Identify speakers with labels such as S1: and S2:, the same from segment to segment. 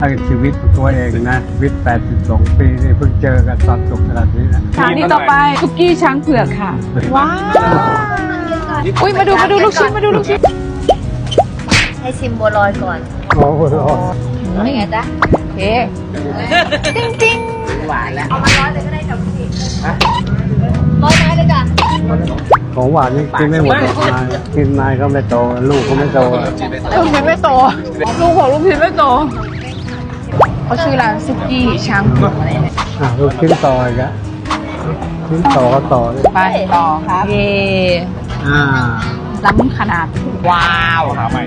S1: ทั้งชีวิตตัวเองนะชีวิต82 ปีนี่เพิ่งเจอกันตอนจบขนาดนี้นะ
S2: สถานีต่อไปทุกกี้ช้างเผือกค่ะ ว้าวอุ้ยมาดูลูกชิ้น
S3: ให้ชิมบัวลอยก่อน
S1: โอ้โห
S3: เป็นไงจ๊ะ
S2: โอเค
S3: ติ้งหวานแล้ว เอามาร้อยเลยก็ได้จ้ะพี่ร้อยไม้เลยจ้ะ
S1: ของหวานนี่กินไม่หมดหรอกนายกินนายก็ไม่โตลูกก็ไม่โต
S2: ลูกชิ้นไม่โตลูกของลูกชิ้นไม่โตเขาชื่อร้านซุกี้ช้างเผือก
S1: ลูกชิ้นต่ออีกแล้วชิ้นต่อก็ต่อเลย
S2: ไปต่อครับเย่
S1: อ่า
S2: ล้ำขนาดว้าว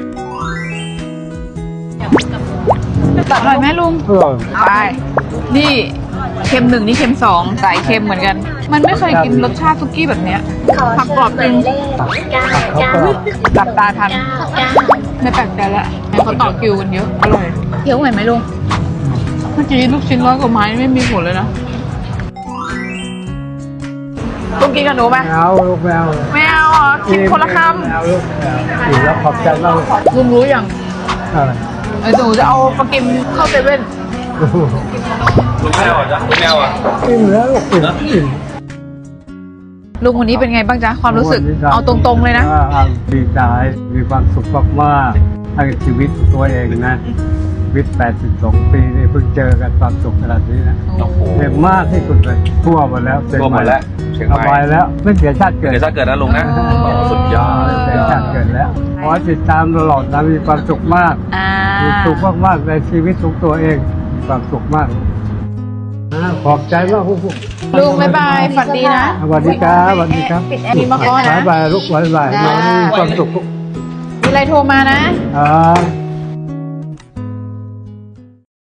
S2: ตัดหน่อยไหมลุง
S1: เออ
S2: ไป นี่เค็ม1นี่เค็ม2ใส่เค็มเหมือนกัน มันไม่เคยกินรสชาติซุกี้แบบเนี้ยผักกรอบจริง
S1: เขาก็
S2: หลับตาทัน ไม่แปลกใจละเขาต่อคิวกันเยอะ อร่อยเคี้ยวไหวไหมลุง เมื่อกี้ลูกชิ้น100 กว่าไม้ไม่มีผลเลยนะลุงกินกับหนูไหม
S1: ไม่เอาลูกไม่เอา
S2: ไม่เอาเหรอกินคนละค
S1: ไม่เอาลูกไม่เอาอีกแล้วขอบใจมาก
S2: ำลุงรู้อย่าง
S1: อะไร
S2: หนูจะเอาปลากิมเข้าเซเว่น
S4: ลุงแมวอ่ะจ๊ะลุงแมวอ่ะ
S1: กินแล้วลูกกินกิน
S2: ลุงคนนี้เป็นไงบ้างจ๊ะความรู้สึก เอาตรงๆเลยนะ
S1: ดีใจมีความสุขมากๆทั้งชีวิตตัวเองนะชีวิต82 ปีนี่เพิ่งเจอกันตอนจบขนาดนี้นะ
S4: โอ้โห
S1: เต็มมากที่สุดเลยทั่วหมดแล้ว
S4: ทั่วหมดแล้วเชียง
S1: ส
S4: ใหม่
S1: บายแล้วไม่เสียชาติเกิด
S4: เดี๋ยวจะเกิดนะลุงนะสุดยอด
S1: เสียชาติเกิดแล้วขอให้ติดตามตลอดนะมีความสุขมาก
S2: อ่า
S1: มีสุขมากๆในชีวิตของตัวเองมีความสุขมากขอบใจมากผู้
S2: ลุงบ๊ายบายฝันดีนะ
S1: สวัสดีครับสวัสดีครับ
S2: มีมาขอนะ
S1: บายบายลูกบายบายมีความสุข
S2: มีอะไรโทรมานะ
S1: ครับ